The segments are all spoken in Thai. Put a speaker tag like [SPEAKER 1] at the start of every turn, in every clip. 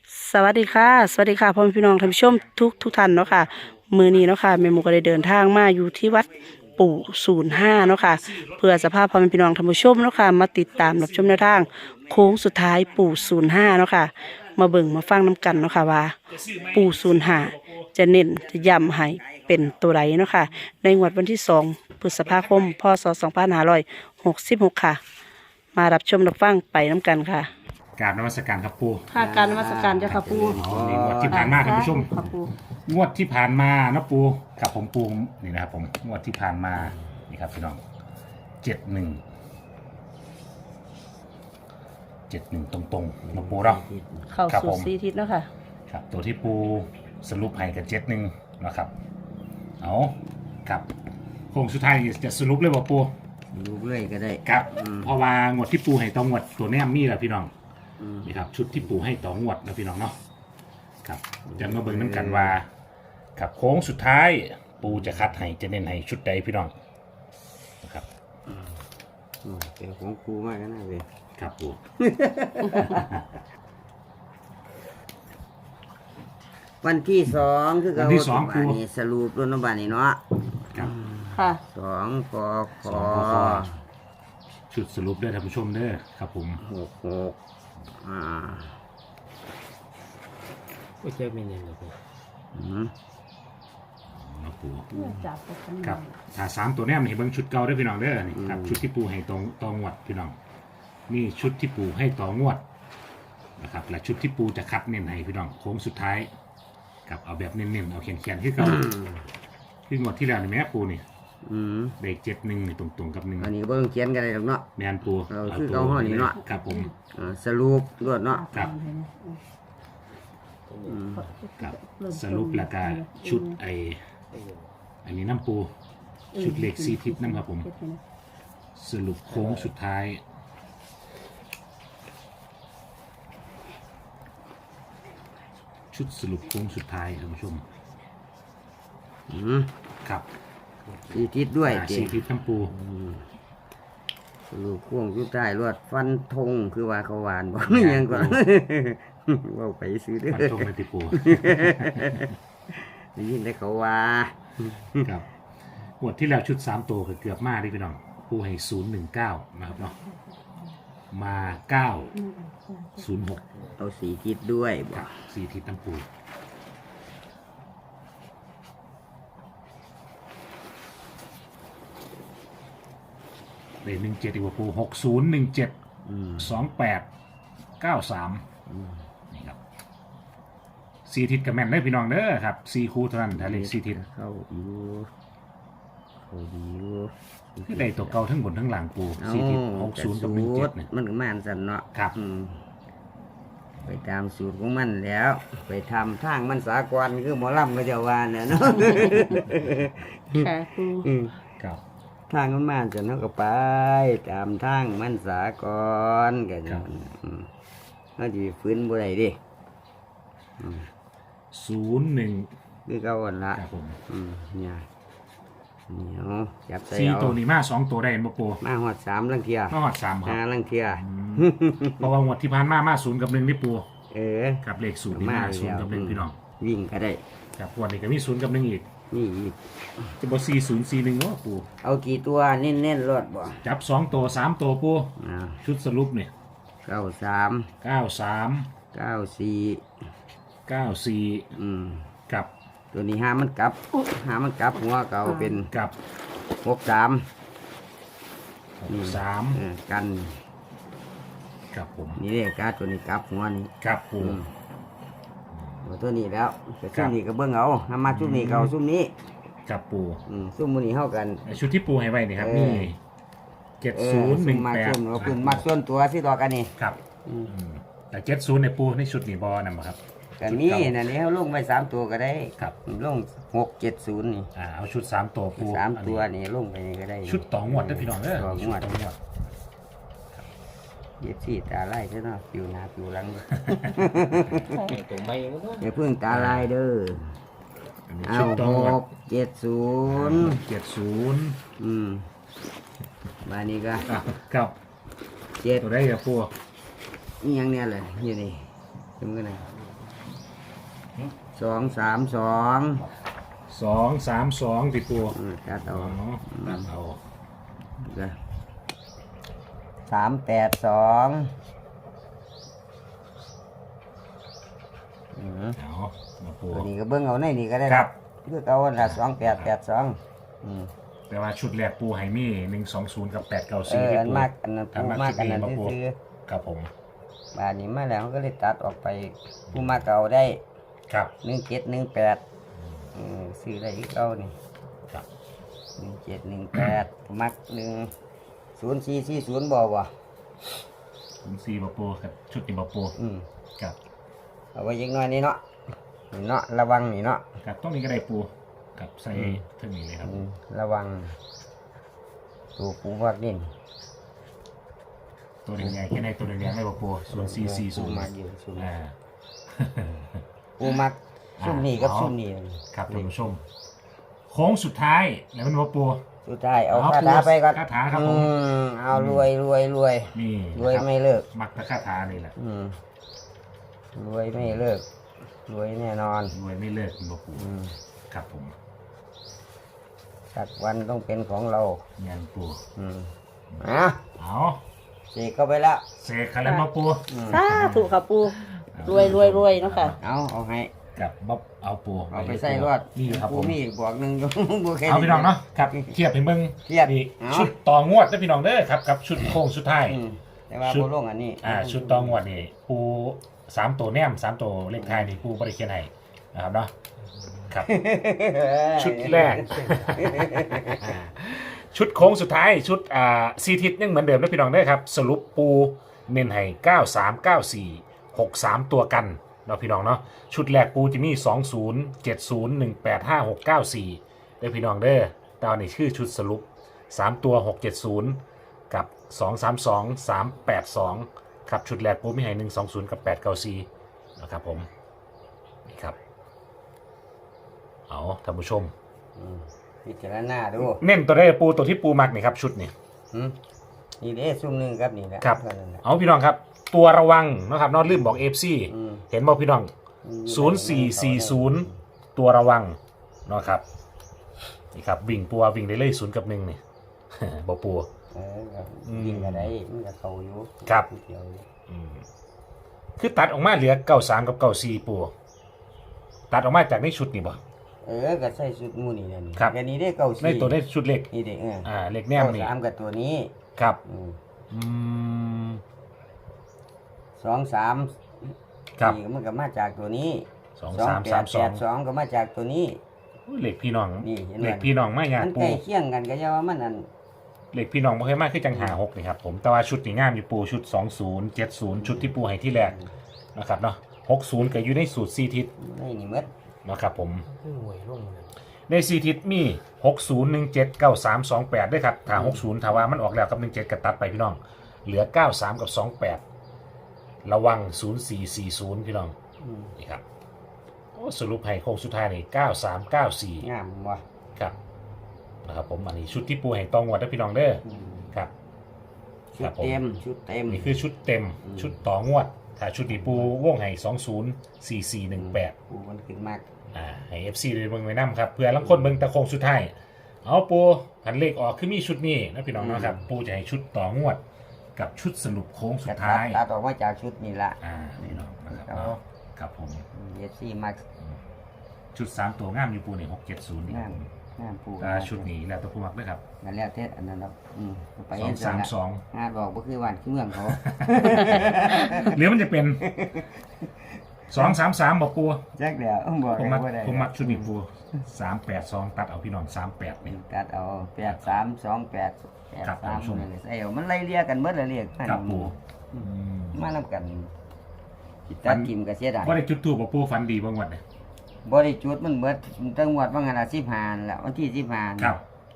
[SPEAKER 1] สวัสดีค่ะสวัสดีค่ะพ่อแม่พี่น้องท่านผู้ชมทุกท่านเนาะค่ะมือนี้เนาะค่ะแม่หมูก็ได้เดินทางมาอยู่ที่วัดปู่05เนาะค่ะเพื่อสภาพพ่อแม่พี่น้องท่านผู้ชมเนาะค่ะมาติดตามรับชมแนวทางโค้งสุดท้ายปู่05เนาะค่ะมาเบิ่งมาฟังน้ำกันเนาะค่ะว่าปู่05จะเน้นจะย้ำให้เป็นตัวไรเนาะค่ะในงวดวันที่2พฤษภาคมพศ2566ค่ะมารับชมรับฟังไปน้ำกันค่ะ
[SPEAKER 2] กราบนมัสการครับปู
[SPEAKER 1] ค่ะการนมัสการเจ้าค่ะปู
[SPEAKER 2] นี่งวดที่ผ่านมาท่านผู้ชม
[SPEAKER 1] ค่ะปู
[SPEAKER 2] งวดที่ผ่านมานะปูกับผมปูนี่นะครับผมงวดที่ผ่านมานี่ครับพี่น้อง71ตรงๆนะปูเรา
[SPEAKER 1] เข้า
[SPEAKER 2] ครับ
[SPEAKER 1] สู่
[SPEAKER 2] ผม
[SPEAKER 1] 4ทิศแล้วค่ะ
[SPEAKER 2] ครับตัวที่ปูสรุปให้กับ71นะครับเอาครับโค้งสุดท้ายจะสรุปเลยว่าปู
[SPEAKER 3] ลูกเลื่อยก็ได้
[SPEAKER 2] ครับเพราะว่างวดที่ปูให้ต่องวดตัวแนมมีแหละพี่น้องนี่ครับชุดที่ปูให้ต่องวดนะพี่น้องเนาะครับจะมาเบิ่งน้ำกันว่าครับโค้งสุดท้ายปูจะคัดให้จะเน้นให้ชุดใดพี่น้องนะครับ
[SPEAKER 3] เป็นของครูมากนะเว้ย
[SPEAKER 2] ครับปู
[SPEAKER 3] วันที่สองคือ
[SPEAKER 2] วันที่สองครู
[SPEAKER 3] บ้านนี้สรุปรุ่นน้ำบานนี้เนาะ
[SPEAKER 2] ครับ
[SPEAKER 1] ค่ะ
[SPEAKER 3] สองกข
[SPEAKER 2] สองข้อชุดสรุปเด้อท่านผู้ชมเด้อครับผม
[SPEAKER 3] หกอ่า
[SPEAKER 4] ไม่ใช่ไม่เน้นเลยครับ
[SPEAKER 3] อืม
[SPEAKER 2] นะปู
[SPEAKER 1] จับไปข้างใน
[SPEAKER 2] ครับถ้า3ตัวแนมนี่เบิ่งชุดเก่าเด้อพี่น้องเด้อนี่ครับชุดที่ปูให้ตองวดพี่น้องนี่ชุดที่ปูให้ต่องวดนะครับและชุดที่ปูจะคัดเน้นให้พี่น้องโค้งสุดท้ายครับเอาแบบเน้นๆเอาเขียนๆที่เก่าคืองวดที่แล้วนี่แม่ปูนี่
[SPEAKER 3] อืม
[SPEAKER 2] ได้71นี่ตรงๆกับ1
[SPEAKER 3] อันนี้เบิ่งเขียนกันได้หรอกเนาะ
[SPEAKER 2] แมนปู
[SPEAKER 3] เอาคือเก่าห้อนี่เนาะ
[SPEAKER 2] ครับผม
[SPEAKER 3] สรุปรวดเนาะ
[SPEAKER 2] ครับ ครับสรุปแล้วก็ชุดอันนี้น้ำปูชุดเหล็ก4ทิศนะครับผมสรุปโค้งสุดท้ายชุดสรุปโค้งสุดท้ายท่านผู้ชม
[SPEAKER 3] อืม
[SPEAKER 2] ครับ
[SPEAKER 3] สี่ทิศด้วย
[SPEAKER 2] 4ทิศน้ำปู
[SPEAKER 3] สรุปพ่วงสุดท้ายรวดฟันธงคือว่าเขาหวานบอกยังก่อนว่าไปซื้อเด้อ
[SPEAKER 2] ฟันธงในติปู
[SPEAKER 3] ได้ยินได้เขาว่า
[SPEAKER 2] ครับหมวดที่แล้วชุด3ตัวคือเกือบมาดิพี่น้องปูให้019นะครับเนาะมา906
[SPEAKER 3] เอาสีทิศด้วยบ
[SPEAKER 2] ค
[SPEAKER 3] อ
[SPEAKER 2] รั
[SPEAKER 3] ก
[SPEAKER 2] บ4ทิศน้ำปูเลข17ดีกว่าปู6017 2893นี่ครับ4ทิศกับแม่นเลยพี่น้องเด้อครับ4คู่เท่านั้นถ้าเลข4ทิศ
[SPEAKER 3] เข้าอยู่เขาดีอยู่
[SPEAKER 2] คือได้ตัวเก่าทั้งบนทั้งหลังปู4ทิศ60กับ17เนี่ย
[SPEAKER 3] มันก็มาอันสันเนาะ
[SPEAKER 2] ครับ
[SPEAKER 3] ไปตามสูตรของมันแล้ว ไปทำทางมันสากลคือหมอลำก็จะว่าเนี่ยเนาะ
[SPEAKER 1] ค่ะปู
[SPEAKER 2] ครับ
[SPEAKER 3] ทางมันมาจะเนาะก็ไปตามทางมันสากลกัน
[SPEAKER 2] ครับ
[SPEAKER 3] เขาจะฟื้นบ่ได้ดิ
[SPEAKER 2] 01
[SPEAKER 3] คือเก่าอันละ
[SPEAKER 2] ครับผม
[SPEAKER 3] เนี่ยเหนียวจับใส่
[SPEAKER 2] 4
[SPEAKER 3] เอา
[SPEAKER 2] ตัวนี้มา2ตัวได้เห็นบ่ปู
[SPEAKER 3] มาหอด3ลังเทีย
[SPEAKER 2] มาหอด3ครับ
[SPEAKER 3] 5ลังเทีย
[SPEAKER 2] เพราะว่างวดที่ผ่านมา0กับ1นี่ปู
[SPEAKER 3] เออ
[SPEAKER 2] กับเลข0นี่มา0กับ1พี่น้อง
[SPEAKER 3] วิ่งก็ได้
[SPEAKER 2] ครับงวันนี้ก็มี0กับ1อีก
[SPEAKER 3] นี่อีก
[SPEAKER 2] จะบ่4041เนาะปู
[SPEAKER 3] เอากี่ตัวเน้นๆรถบ่
[SPEAKER 2] จับ2ตัว3ตัวปู
[SPEAKER 3] อ่า
[SPEAKER 2] ชุดสรุปเนี่ย
[SPEAKER 3] 93
[SPEAKER 2] 93
[SPEAKER 3] 94
[SPEAKER 2] 94กับ
[SPEAKER 3] ตัวนี้หามันกลับหัวเก่าเป็น
[SPEAKER 2] กับ
[SPEAKER 3] 63
[SPEAKER 2] 3
[SPEAKER 3] กัน
[SPEAKER 2] กับผม
[SPEAKER 3] นี่เรียกการตัวนี้กลับหัวนี่
[SPEAKER 2] กับปู
[SPEAKER 3] เอาตัวนี้แล้วแต่
[SPEAKER 2] ครั
[SPEAKER 3] ซุ่
[SPEAKER 2] บ
[SPEAKER 3] มนี้ก็เบิ่งเอาถ้ามาซุ่มนี้ก็เอาซุ่มนี้
[SPEAKER 2] กับปู
[SPEAKER 3] ซุ่มมื้อนี้เฮากัน
[SPEAKER 2] ชุดที่ปูให้ไว้นี่ครับ
[SPEAKER 3] เออ
[SPEAKER 2] นี่
[SPEAKER 3] ซุ่มมาซุ่มเอาขึ้นมาส่วนตัวสิดอกกันนี่
[SPEAKER 2] ครับแต่70ในปูในชุดนี่บ่นำครับ
[SPEAKER 3] ก็มีนั่นนี่เฮาลงไว้3ตัวก็ได้
[SPEAKER 2] ครับ
[SPEAKER 3] ลง670นี่
[SPEAKER 2] เอาชุด3ตัวปู
[SPEAKER 3] 3ตัวนี่ลงไปนี่ก็ได้
[SPEAKER 2] ชุดต่องวดเด้อพี่น้องเด้อ
[SPEAKER 3] ต่องวด
[SPEAKER 2] ชุต่องวด
[SPEAKER 3] เย็บสีตาลายเด้อเนาะผิวหน้าผิวหลัง
[SPEAKER 4] ตัวไม่ก็ต้อง
[SPEAKER 3] อย่าเพิ่งตาลายเด้อ
[SPEAKER 2] อันนี้
[SPEAKER 3] เอา
[SPEAKER 2] ชุดต่องวด
[SPEAKER 3] 670
[SPEAKER 2] 70
[SPEAKER 3] มานี่ก็
[SPEAKER 2] ครับ
[SPEAKER 3] 7
[SPEAKER 2] ตัวได้กับปู
[SPEAKER 3] นี่ยังเนี่ยเลยอยู่นี่จำกันนะ 232
[SPEAKER 2] 232ติปู
[SPEAKER 3] ตัด
[SPEAKER 2] อ๋
[SPEAKER 3] เอา
[SPEAKER 2] อตัดเอา
[SPEAKER 3] เด้อ382
[SPEAKER 2] เอามาปู
[SPEAKER 3] ตัวนี้ก็เบิ่งเอาในนี่ก็ได้
[SPEAKER 2] ครับ
[SPEAKER 3] คือเอาละ2882
[SPEAKER 2] แต่ว่าชุดแรกปูให้มี120กับ894ที่
[SPEAKER 3] อัน
[SPEAKER 2] ปู
[SPEAKER 3] มากอันนั้นผู้มากอันนั้นซื้อ
[SPEAKER 2] ครับผม
[SPEAKER 3] บาดนี้มาแล้วก็เลยตัดออกไปผู้มากเก่าได้
[SPEAKER 2] ครับ
[SPEAKER 3] 1718ซื้อได้อีกเอานี่
[SPEAKER 2] ครับ
[SPEAKER 3] 1718มัก0440บ่บ่
[SPEAKER 2] ผมซีบปูครับชุดนี้บปูครับ
[SPEAKER 3] เอาไว้ยังน้อยนี่เนาะนี่เนาะระวังนี่เนาะ
[SPEAKER 2] ครับต้องนี้ก็ได้ปูกับใส่เท่านี้เลยครับ
[SPEAKER 3] ระวังตัวปูวักนี่
[SPEAKER 2] ตัวแดงๆแค่ในตัวแดงๆไม่บปู
[SPEAKER 3] ปูมัก
[SPEAKER 2] 0440
[SPEAKER 3] อยู่ซุ่ม
[SPEAKER 2] อ่า
[SPEAKER 3] ปูมักซุ่มนี่กับซุ่มนี่
[SPEAKER 2] ครับท่านผู้ชมโค้งสุดท้ายแล้วมันบปู
[SPEAKER 3] สุดท้ายเอา
[SPEAKER 2] เอา
[SPEAKER 3] คาถาไปก่อน
[SPEAKER 2] คาถาครับผม
[SPEAKER 3] เอารวยรวยรวย
[SPEAKER 2] นี่
[SPEAKER 3] รวยไม่เลิก
[SPEAKER 2] มักตะคาถานี่แหละ
[SPEAKER 3] รวยไม่เลิกรวยแน่นอน
[SPEAKER 2] รวยไม่เลิกคุณบปูครับผม
[SPEAKER 3] สักวันต้องเป็นของเรา
[SPEAKER 2] เงินปู
[SPEAKER 3] อ่ะ
[SPEAKER 2] เอา
[SPEAKER 3] เสกเข้าไปแล้ว
[SPEAKER 2] เสกคันแล้วมาปู
[SPEAKER 1] สาธุค่ะปูรวยเนาะค่ะ
[SPEAKER 3] เอาให้
[SPEAKER 2] กับบ๊อบเอาปู
[SPEAKER 3] เอาไปใส่รอด
[SPEAKER 2] นี่ครับ
[SPEAKER 3] ปู
[SPEAKER 2] ผม
[SPEAKER 3] มีอีกบวกหนึ่ง บัวแค่
[SPEAKER 2] เอาพี่น้องเนาะครับเทียบให้เบิ่ง
[SPEAKER 3] เทียบ
[SPEAKER 2] นี่
[SPEAKER 3] เอา
[SPEAKER 2] ชุดต่องวดนะพี่น้องเด้อครับกับชุดโค้งสุดท้าย
[SPEAKER 3] แต่ว่า
[SPEAKER 2] ชุด
[SPEAKER 3] โบลงอันนี้
[SPEAKER 2] ชุดต่องวดนี่ปู3ตัวแนม3ตัวเลขท้ายนี่ปูบ่ได้เขียนให้นะครับเนาะครับ ชุดแรก ชุดโค้งสุดท้ายชุดซีทิศยังเหมือนเดิมนะพี่น้องเด้อครับสรุปปูเน้นให้939463ตัวกันเนาะพี่น้องเนาะชุดแรกปูจะมี2070185694เด้อพี่น้องเด้อตอนนี้ชื่อชุดสรุป3ตัว670กับ232382ครับชุดแรกปูมีให้120กับ894นะครับผมนี่ครับเอาท่านผู้ชม
[SPEAKER 3] พิจารณาดู
[SPEAKER 2] เน้นตัวได้ปูตัวที่ปูมักนี่ครับชุดนี่
[SPEAKER 3] นี่เด้ซุ่มหนึ่งครับนี่แหละ
[SPEAKER 2] ครับ
[SPEAKER 3] เท่านั้นแหละ
[SPEAKER 2] เอาพี่น้องครับตัวระวังนะครับนอกลืมบอกเอฟซี
[SPEAKER 3] อืม
[SPEAKER 2] เห็นบอกพี่น้อง0440ตัวระวังเนาะครับนี่ครับวิ่งปัววิ่งได้เลย0 กับ 1นี่ บอกปัว
[SPEAKER 3] ครับยิงอะไรมันจะเข้าอยู่
[SPEAKER 2] ครับ
[SPEAKER 3] เดียวอยู่
[SPEAKER 2] คือตัดออกมาเหลือ93กับ94ปัวตัดออกมาจากในชุดนี่บ่
[SPEAKER 3] ก็ใส่ชุดหมูนี่แหละนี่
[SPEAKER 2] ครับ
[SPEAKER 3] อันนี้ได้เก้า
[SPEAKER 2] ใน
[SPEAKER 3] สี่
[SPEAKER 2] ตัวได้ชุดเล็ก
[SPEAKER 3] นี่เด้
[SPEAKER 2] เล็กแนมนี่
[SPEAKER 3] 3กับตัวนี้
[SPEAKER 2] ครับ
[SPEAKER 3] อืม 2 3
[SPEAKER 2] ครับ
[SPEAKER 3] นี่มันก็มาจากตัวนี้
[SPEAKER 2] 2332
[SPEAKER 3] 2ก็มาจากตัวนี้
[SPEAKER 2] เหล็กพี่น้อง
[SPEAKER 3] นี่เห็นไหม
[SPEAKER 2] เหล็กพี่น้องไม่ยาก
[SPEAKER 3] มัน
[SPEAKER 2] ปู
[SPEAKER 3] ใกล้เคียงกันก็จะว่ามันอัน
[SPEAKER 2] เหล็กพี่น้องบ่เคยมากคือจังหา6นี่ครับผมแต่ว่าชุดนี่งามอยู่ปูชุด20 70ชุดที่ปูให้ที่แรกนะครับเนาะ60ก็อยู่ในสูตร4ทิศ
[SPEAKER 3] นี่นี่หมด
[SPEAKER 2] นะครับผม
[SPEAKER 4] คือหวยลงเลย
[SPEAKER 2] ใน4ทิศมี60 17 93 28ด้วยครับถ้า60ถ้าว่ามันออกแล้วกับ17ก็ตัดไปพี่น้องเหลือ93กับ28ระวัง0440พี่น้องนี่ครับโอ้สรุปให้โค้งสุดท้ายนี่9394
[SPEAKER 3] งามว่ะ
[SPEAKER 2] ครับนะครับผมอันนี้ชุดที่ปูให้ตองวัดนะพี่น้องเด้อครับ
[SPEAKER 3] ชุดเต็มชุดเต็ม
[SPEAKER 2] นี่คือชุดเต็มชุดต่องวดถ้าชุดที่ปูวงให้204418
[SPEAKER 3] ปูมันขึ้นมาก
[SPEAKER 2] ให้ FC ได้เบิ่งไว้นํครับเพื่อลังคนเบิ่งตะโคงสุดท้ายเอาปูผันเลขออกคือมีชุดนี้นะพี่น้องเนาะครับปูจะให้ชุดต่องวดกับชุดสรุปโค้งสุดท้าย
[SPEAKER 3] ตัดออกมาจากชุดนี่ละ
[SPEAKER 2] พี่น้องนะครับ
[SPEAKER 3] เอา
[SPEAKER 2] เนาะครับผม
[SPEAKER 3] เยซี่มัก
[SPEAKER 2] ชุด3ตัวงามอยู่ปูนี่670นี่
[SPEAKER 3] งามงามปู
[SPEAKER 2] ชุดนี้แล้วแตัวผู้มักด้วยครับ
[SPEAKER 3] นั่นแล้วเทศอันนั้นครับไปเห็น
[SPEAKER 2] 232
[SPEAKER 3] งานบอกก็คือวันคือเมืองเขา
[SPEAKER 2] หรือมันจะเป็น233บอกปู
[SPEAKER 3] แจ็คเดียวบอก
[SPEAKER 2] ผมมักชุดนี้ปู382ตัดเอาพี่น้อง38นี่
[SPEAKER 3] ตัดเอา8328
[SPEAKER 2] ครับท่านผู้ชม
[SPEAKER 3] 83ใส่เอามันไล่เรียกกันเบิดละเรียก
[SPEAKER 2] กับปู
[SPEAKER 3] มานำกันตัดกิมก็เสียดาย
[SPEAKER 2] ว่าได้จุดทูบบอกปูฟันดีบางวันเนี่ย
[SPEAKER 3] บ่ได้จุดมันเบิดตั้งงวดว่างานละ15แล้ววันที่15
[SPEAKER 2] ครับ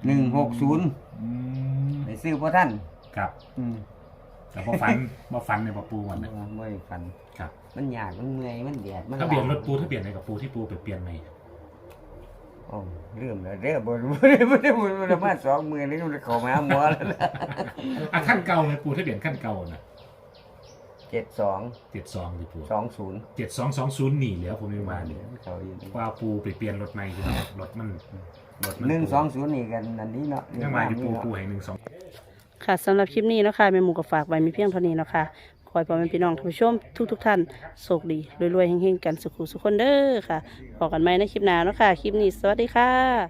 [SPEAKER 3] 160ไปซื้อบ่ทัน
[SPEAKER 2] ครับแต่พอฟันบ่ฟันในบอกปูวันเนี่ย
[SPEAKER 3] บ่ได้ฟัน
[SPEAKER 2] ครับ
[SPEAKER 3] มันยากมันเมื่อยมันแดดมัน
[SPEAKER 2] ถ้าเปลี่ยนรถปูถ้าเปลี่ยนอะไรกับปูที่ปูไปเปลี่ยนไหม
[SPEAKER 3] โอ้ลืมแล้วเด้อบ่ได้มา2มื้อนี้มันเข้ามาหาหมอแล้วนะ
[SPEAKER 2] ขั้นเก่าไหมปูถ้าเปลี่ยนขั้นเก่านะ
[SPEAKER 3] 72
[SPEAKER 2] 72ที่ปู
[SPEAKER 3] 20
[SPEAKER 2] 7220นี่เหลือผมยังว่าเนี่ย
[SPEAKER 3] เขาอยู่
[SPEAKER 2] ว่าปูไปเปลี่ยนรถใหม่พี่น้องรถมัน
[SPEAKER 3] 120นี่กันอันนี้เนาะ
[SPEAKER 2] ยังมาอยู่ปูให้12
[SPEAKER 1] ค่ะสำหรับคลิปนี้เนาะค่ะแม่หมูก็ฝากไว้มีเพียงเท่านี้เนาะค่ะขอให้พ่อแม่พี่น้องท่านผู้ชมทุกท่านโชคดีรวยๆเฮงๆกันสุขุสุขคนเด้อค่ะพบกันใหม่ในคลิปหน้าเนาะค่ะคลิปนี้สวัสดีค่ะ